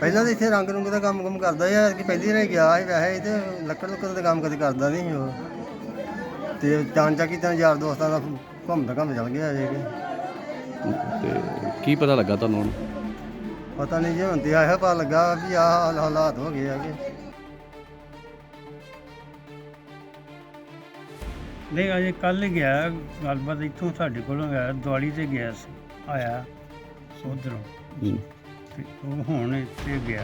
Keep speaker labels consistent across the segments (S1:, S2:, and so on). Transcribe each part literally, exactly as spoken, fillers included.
S1: ਪਹਿਲਾਂ ਤਾਂ ਇੱਥੇ ਰੰਗ ਰੁੰਗ ਦਾ ਕੰਮ ਕੰਮ ਕਰਦਾ ਯਾਰ ਕਿ ਪਹਿਲੀ ਵਾਰ ਗਿਆ ਸੀ ਵੈਸੇ ਤੇ ਲੱਕੜ ਲੁੱਕੜ ਦਾ ਕੰਮ ਕਦੇ ਕਰਦਾ ਨਹੀਂ ਸੀ ਉਹ ਤੇ ਚਾਂ ਚੱਕੀ ਤਾਂ ਯਾਰ ਦੋਸਤਾਂ ਦਾ ਘੁੰਮਦਾ ਘੁੰਮ ਚੱਲ ਗਿਆ ਜੇ ਕਿ
S2: ਤੇ ਕੀ ਪਤਾ ਲੱਗਾ ਤੁਹਾਨੂੰ ਹੁਣ?
S1: ਪਤਾ ਨਹੀਂ ਜੇ ਹੁਣ ਤੇ ਆਇਆ ਪਤਾ ਲੱਗਾ ਵੀ ਆਹ ਹਾਲਾਤ ਹੋ ਗਏ ਹੈਗੇ।
S3: ਨਹੀਂ ਅਜੇ ਕੱਲ੍ਹ ਗਿਆ, ਗੱਲਬਾਤ ਇੱਥੋਂ ਸਾਡੇ ਕੋਲੋਂ ਗਿਆ, ਦਿਵਾਲੀ 'ਤੇ ਗਿਆ ਸੀ, ਆਇਆ ਉੱਧਰੋਂ
S2: ਹੂੰ।
S3: ਤੇ ਉਹ ਹੁਣ ਇੱਥੇ ਗਿਆ।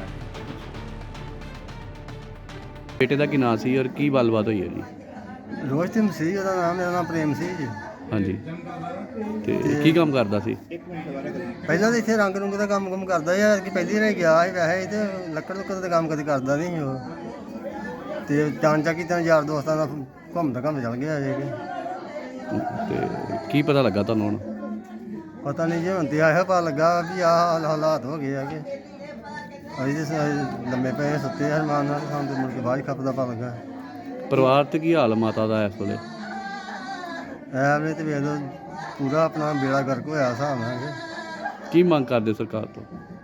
S2: ਬੇਟੇ ਦਾ ਕੀ ਨਾਂ ਸੀ ਔਰ ਕੀ ਗੱਲਬਾਤ ਹੋਈ ਹੈ ਜੀ?
S1: ਰੋਸ਼ਤਮ ਸੀ ਉਹਦਾ ਨਾਮ, ਮੇਰਾ ਨਾਮ ਪ੍ਰੇਮ ਸੀ ਜੀ।
S2: ਹਾਂਜੀ, ਤੇ ਕੀ ਕੰਮ ਕਰਦਾ ਸੀ?
S1: ਪਹਿਲਾਂ ਤਾਂ ਇੱਥੇ ਰੰਗ ਰੁੰਗ ਦਾ ਕੰਮ ਕੰਮ ਕਰਦਾ ਯਾਰ ਕਿ ਪਹਿਲੀ ਵਾਰ ਗਿਆ ਸੀ ਵੈਸੇ ਤੇ ਲੱਕੜ ਲੁੱਕੜ ਦਾ ਕੰਮ ਕਦੇ ਕਰਦਾ ਨਹੀਂ ਸੀ ਉਹ ਤੇ ਚਾਂ ਚੱਕੀ ਤਾਂ ਯਾਰ ਦੋਸਤਾਂ ਦਾ ਘੁੰਮਦਾ ਘੁੰਮ ਚੱਲ ਗਿਆ ਜੇ ਕਿ
S2: ਤੇ ਕੀ ਪਤਾ ਲੱਗਾ ਤੁਹਾਨੂੰ ਹੁਣ?
S1: ਪਤਾ ਨਹੀਂ ਜੇ ਹੁਣ ਤੇ ਆਇਆ ਪਤਾ ਲੱਗਾ ਵੀ ਆਹ ਹਾਲਾਤ ਹੋ ਗਏ ਹੈਗੇ। ਅਸੀਂ ਤੇ ਸ- ਲੰਮੇ ਪਏ ਸੁੱਤੇ ਹਰਮਾਨ ਨਾਲ, ਸਾਨੂੰ ਤੇ ਮੁੜ ਕੇ ਬਾਅਦ 'ਚ ਖੱਪ ਦਾ ਪਤਾ ਲੱਗਾ।
S2: ਪਰਿਵਾਰ ਤੇ ਕੀ ਹਾਲ ਮਾਤਾ ਦਾ ਇਸ ਵੇਲੇ?
S1: ਐਵੇਂ ਤੇ ਵੇਖ ਲਓ ਪੂਰਾ ਆਪਣਾ ਬੇੜਾ ਗਰਕ ਹੋਇਆ ਹਿਸਾਬ ਨਾਲ ਕਿ
S2: ਕੀ ਮੰਗ ਕਰਦੇ ਸਰਕਾਰ ਤੋਂ?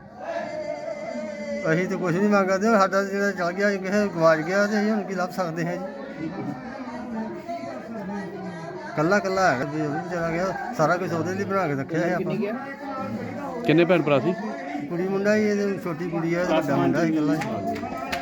S1: ਅਸੀਂ ਤੇ ਕੁਝ ਨਹੀਂ ਮੰਗਦੇ, ਸਾਡਾ ਜਿਹੜਾ ਚਲ ਗਿਆ ਕਿਸੇ ਗਵਾਚ ਗਿਆ ਤੇ ਅਸੀਂ ਹੁਣ ਕੀ ਲੱਭ ਸਕਦੇ ਹਾਂ ਜੀ। ਕੱਲਾ ਕੱਲਾ ਹੈਗਾ ਜੀ, ਉਹ ਵੀ ਚਲਾ ਗਿਆ, ਸਾਰਾ ਕੁਝ ਉਹਦੇ ਲਈ ਬਣਾ ਕੇ ਰੱਖਿਆ ਹੈ ਆਪਾਂ।
S2: ਕਿੰਨੇ ਭੈਣ ਭਰਾ ਸੀ?
S1: ਕੁੜੀ ਮੁੰਡਾ ਹੀ, ਇਹਦੀ ਛੋਟੀ ਕੁੜੀ ਹੈ, ਵੱਡਾ ਮੁੰਡਾ ਸੀ ਇਕੱਲਾ ਹੀ।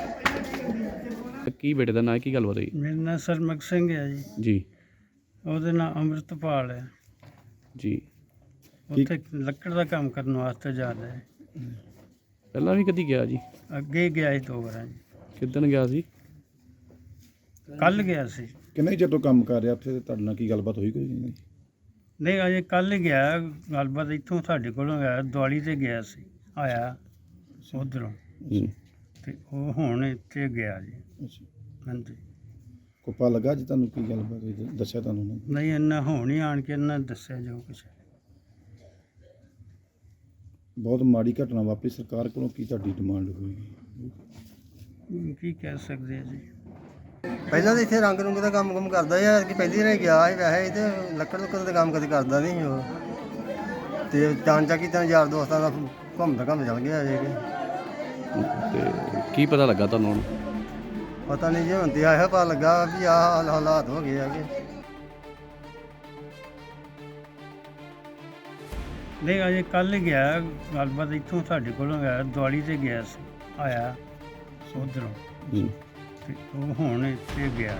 S2: ਤੇ ਕੀ ਬੇਟੇ ਦਾ ਨਾਂ ਹੈ, ਕੀ ਗੱਲਬਾਤ ਹੋਈ?
S3: ਮੇਰਾ ਨਾਂ ਸਰਮਕ ਸਿੰਘ ਹੈ ਜੀ,
S2: ਜੀ
S3: ਉਹਦੇ ਨਾਂ ਅੰਮ੍ਰਿਤਪਾਲ ਹੈ।
S2: ਜੀ।
S3: ਉੱਥੇ ਲੱਕੜ ਦਾ ਕੰਮ ਕਰਨ ਵਾਸਤੇ ਜਾਂਦਾ ਹੈ।
S2: ਪਹਿਲਾਂ ਵੀ ਕਦੀ ਗਿਆ ਜੀ?
S3: ਅੱਗੇ ਗਿਆ ਸੀ ਦੋ ਵਾਰਾਂ ਜੀ।
S2: ਕਿੱਦਣ ਗਿਆ ਸੀ?
S3: ਕੱਲ੍ਹ ਗਿਆ ਸੀ।
S4: ਕਿੰਨੇ ਚਿਰ ਤੋਂ ਕੰਮ ਕਰ ਰਿਹਾ ਉੱਥੇ? ਤੁਹਾਡੇ ਨਾਲ ਕੀ ਗੱਲਬਾਤ ਹੋਈ ਕੋਈ ਨਹੀਂ?
S3: ਨਹੀਂ ਅਜੇ ਕੱਲ੍ਹ ਗਿਆ, ਗੱਲਬਾਤ ਇੱਥੋਂ ਸਾਡੇ ਕੋਲੋਂ ਗਿਆ, ਦਿਵਾਲੀ 'ਤੇ ਗਿਆ ਸੀ, ਆਇਆ ਉੱਧਰੋਂ
S2: ਹੂੰ।
S3: ਤੇ ਉਹ ਹੁਣ ਇੱਥੇ ਗਿਆ ਜੀ।
S4: ਅੱਛਾ,
S3: ਹਾਂਜੀ।
S4: ਕੋਪਾ ਲੱਗਾ ਜੀ ਤੁਹਾਨੂੰ? ਕੀ ਗੱਲਬਾਤ ਹੋਈ ਦੱਸਿਆ ਤੁਹਾਨੂੰ ਉਹਨਾਂ ਨੇ?
S3: ਨਹੀਂ ਇੰਨਾ ਹੁਣ ਹੀ ਆਣ ਕੇ ਇਹਨਾਂ ਦੱਸਿਆ ਜੋ ਕੁਛ।
S4: ਬਹੁਤ ਮਾੜੀ ਘਟਨਾ ਵਾਪਰੀ, ਸਰਕਾਰ ਕੋਲੋਂ ਕੀ ਤੁਹਾਡੀ ਡਿਮਾਂਡ ਹੋਏਗੀ?
S3: ਕੀ ਕਹਿ ਸਕਦੇ ਆ ਜੀ।
S1: ਪਹਿਲਾਂ ਤਾਂ ਇੱਥੇ ਰੰਗ ਰੁੰਗ ਦਾ ਕੰਮ ਕੰਮ ਕਰਦਾ ਯਾਰ ਕਿ ਪਹਿਲੀ ਵਾਰ ਗਿਆ ਸੀ ਵੈਸੇ ਤੇ ਲੱਕੜ ਲੁੱਕੜ ਦਾ ਕੰਮ ਕਦੇ ਕਰਦਾ ਨਹੀਂ ਸੀ ਉਹ ਤੇ ਚਾਂ ਚੱਕੀ ਤਾਂ ਯਾਰ ਦੋਸਤਾਂ ਦਾ ਘੁੰਮਦਾ ਘੁੰਮ ਚੱਲ ਗਿਆ ਜੇ ਕਿ
S2: ਤੇ ਕੀ ਪਤਾ ਲੱਗਾ ਤੁਹਾਨੂੰ ਹੁਣ?
S1: ਪਤਾ ਨਹੀਂ ਜੇ ਹੁਣ ਤੇ ਆਇਆ ਪਤਾ ਲੱਗਾ ਵੀ ਆਹ ਹਾਲਾਤ ਹੋ ਗਏ ਹੈਗੇ।
S3: ਨਹੀਂ ਅਜੇ ਕੱਲ੍ਹ ਗਿਆ, ਗੱਲਬਾਤ ਇੱਥੋਂ ਸਾਡੇ ਕੋਲੋਂ ਗਿਆ, ਦਿਵਾਲੀ 'ਤੇ ਗਿਆ ਸੀ, ਆਇਆ ਉੱਧਰੋਂ
S2: ਹੂੰ।
S3: ਤੇ ਉਹ ਹੁਣ ਇੱਥੇ ਗਿਆ।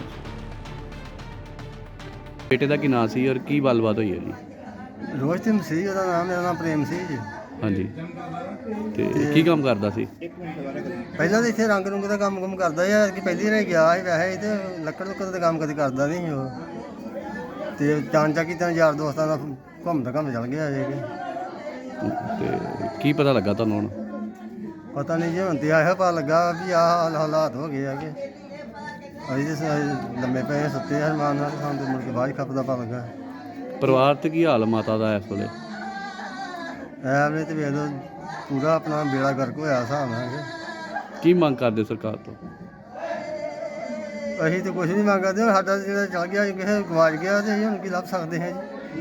S2: ਬੇਟੇ ਦਾ ਕੀ ਨਾਂ ਸੀ ਔਰ ਕੀ ਗੱਲਬਾਤ ਹੋਈ ਹੈ ਜੀ?
S1: ਰੋਸ਼ਤਮ ਸੀ ਉਹਦਾ ਨਾਮ, ਮੇਰਾ ਨਾਮ ਪ੍ਰੇਮ ਸੀ ਜੀ।
S2: ਹਾਂਜੀ, ਤੇ ਕੀ ਕੰਮ ਕਰਦਾ ਸੀ?
S1: ਪਹਿਲਾਂ ਤਾਂ ਇੱਥੇ ਰੰਗ ਰੁੰਗ ਦਾ ਕੰਮ ਕੰਮ ਕਰਦਾ ਯਾਰ ਕਿ ਪਹਿਲੀ ਵਾਰ ਗਿਆ ਸੀ ਵੈਸੇ ਤੇ ਲੱਕੜ ਲੁੱਕੜ ਦਾ ਕੰਮ ਕਦੇ ਕਰਦਾ ਨਹੀਂ ਸੀ ਉਹ ਤੇ ਚਾਂ ਚੱਕੀ ਤਾਂ ਯਾਰ ਦੋਸਤਾਂ ਦਾ ਘੁੰਮਦਾ ਘੁੰਮ ਚੱਲ ਗਿਆ ਜੇ ਕਿ
S2: ਤੇ ਕੀ ਪਤਾ ਲੱਗਾ ਤੁਹਾਨੂੰ ਹੁਣ?
S1: ਪਤਾ ਨਹੀਂ ਜੇ ਹੁਣ ਤੇ ਆਇਆ ਪਤਾ ਲੱਗਾ ਵੀ ਆਹ ਹਾਲਾਤ ਹੋ ਗਏ ਹੈਗੇ। ਅਸੀਂ ਤੇ ਸ- ਲੰਮੇ ਪਏ ਸੁੱਤੇ ਹਰਮਾਨ ਨਾਲ, ਸਾਨੂੰ ਤੇ ਮੁੜ ਕੇ ਬਾਅਦ 'ਚ ਖੱਪ ਦਾ ਪਤਾ ਲੱਗਾ।
S2: ਪਰਿਵਾਰ ਤੇ ਕੀ ਹਾਲ ਮਾਤਾ ਦਾ ਇਸ ਵੇਲੇ?
S1: ਐਵੇਂ ਤੇ ਵੇਖ ਲਓ ਪੂਰਾ ਆਪਣਾ ਬੇੜਾ ਗਰਕ ਹੋਇਆ ਹਿਸਾਬ ਨਾਲ ਕਿ
S2: ਕੀ ਮੰਗ ਕਰਦੇ ਸਰਕਾਰ ਤੋਂ?
S1: ਅਸੀਂ ਤੇ ਕੁਝ ਨਹੀਂ ਮੰਗਦੇ, ਸਾਡਾ ਜਿਹੜਾ ਚਲ ਗਿਆ ਕਿਸੇ ਗਵਾਚ ਗਿਆ ਤੇ ਅਸੀਂ ਹੁਣ ਕੀ ਲੱਭ ਸਕਦੇ ਹਾਂ ਜੀ।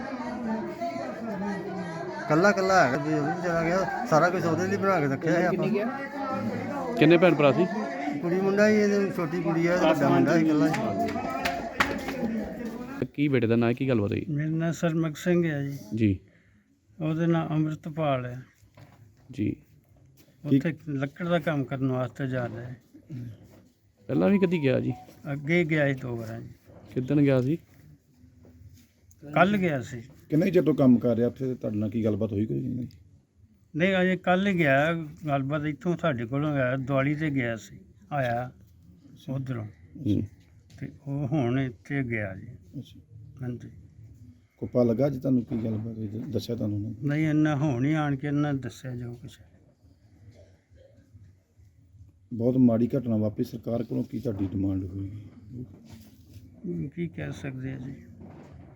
S1: ਕੱਲਾ ਕੱਲਾ ਹੈਗਾ ਜੀ, ਉਹ ਵੀ ਚਲਾ ਗਿਆ, ਸਾਰਾ ਕੁਝ ਉਹਦੇ ਲਈ ਬਣਾ ਕੇ ਰੱਖਿਆ ਹੈ ਆਪਾਂ।
S2: ਕਿੰਨੇ ਭੈਣ ਭਰਾ ਸੀ?
S1: ਕੁੜੀ ਮੁੰਡਾ ਹੀ, ਇਹਦੀ ਛੋਟੀ ਕੁੜੀ ਹੈ, ਵੱਡਾ ਮੁੰਡਾ ਸੀ ਇਕੱਲਾ ਹੀ।
S2: ਤੇ ਕੀ ਬੇਟੇ ਦਾ ਨਾਂ ਹੈ, ਕੀ ਗੱਲਬਾਤ ਹੋਈ?
S3: ਮੇਰਾ ਨਾਂ ਸਰਮਕ ਸਿੰਘ ਹੈ ਜੀ,
S2: ਜੀ
S3: ਉਹਦੇ ਨਾਂ ਅੰਮ੍ਰਿਤਪਾਲ ਹੈ।
S2: ਜੀ।
S3: ਉੱਥੇ ਲੱਕੜ ਦਾ ਕੰਮ ਕਰਨ ਵਾਸਤੇ ਜਾਂਦਾ ਹੈ।
S2: ਪਹਿਲਾਂ ਵੀ ਕਦੀ ਗਿਆ ਜੀ?
S3: ਅੱਗੇ ਗਿਆ ਸੀ ਦੋ ਵਾਰਾਂ ਜੀ।
S2: ਕਿੱਦਣ ਗਿਆ ਸੀ?
S3: ਕੱਲ੍ਹ ਗਿਆ ਸੀ।
S4: ਕਿੰਨੇ ਚਿਰ ਤੋਂ ਕੰਮ ਕਰ ਰਿਹਾ ਉੱਥੇ? ਤੁਹਾਡੇ ਨਾਲ ਕੀ ਗੱਲਬਾਤ ਹੋਈ ਕੋਈ ਨਹੀਂ?
S3: ਨਹੀਂ ਅਜੇ ਕੱਲ੍ਹ ਗਿਆ, ਗੱਲਬਾਤ ਇੱਥੋਂ ਸਾਡੇ ਕੋਲੋਂ ਗਿਆ, ਦਿਵਾਲੀ 'ਤੇ ਗਿਆ ਸੀ, ਆਇਆ ਉੱਧਰੋਂ
S2: ਹੂੰ।
S3: ਤੇ ਉਹ ਹੁਣ ਇੱਥੇ ਗਿਆ ਜੀ।
S4: ਅੱਛਾ,
S3: ਹਾਂਜੀ।
S4: ਕੋਪਾ ਲੱਗਾ ਜੀ ਤੁਹਾਨੂੰ? ਕੀ ਗੱਲਬਾਤ ਹੋਈ ਦੱਸਿਆ ਤੁਹਾਨੂੰ ਉਹਨਾਂ ਨੇ?
S3: ਨਹੀਂ ਇੰਨਾ ਹੁਣ ਹੀ ਆਣ ਕੇ ਇਹਨਾਂ ਦੱਸਿਆ ਜੋ ਕੁਛ।
S4: ਬਹੁਤ ਮਾੜੀ ਘਟਨਾ ਵਾਪਰੀ, ਸਰਕਾਰ ਕੋਲੋਂ ਕੀ ਤੁਹਾਡੀ ਡਿਮਾਂਡ ਹੋਏਗੀ?
S3: ਕੀ ਕਹਿ ਸਕਦੇ ਆ ਜੀ।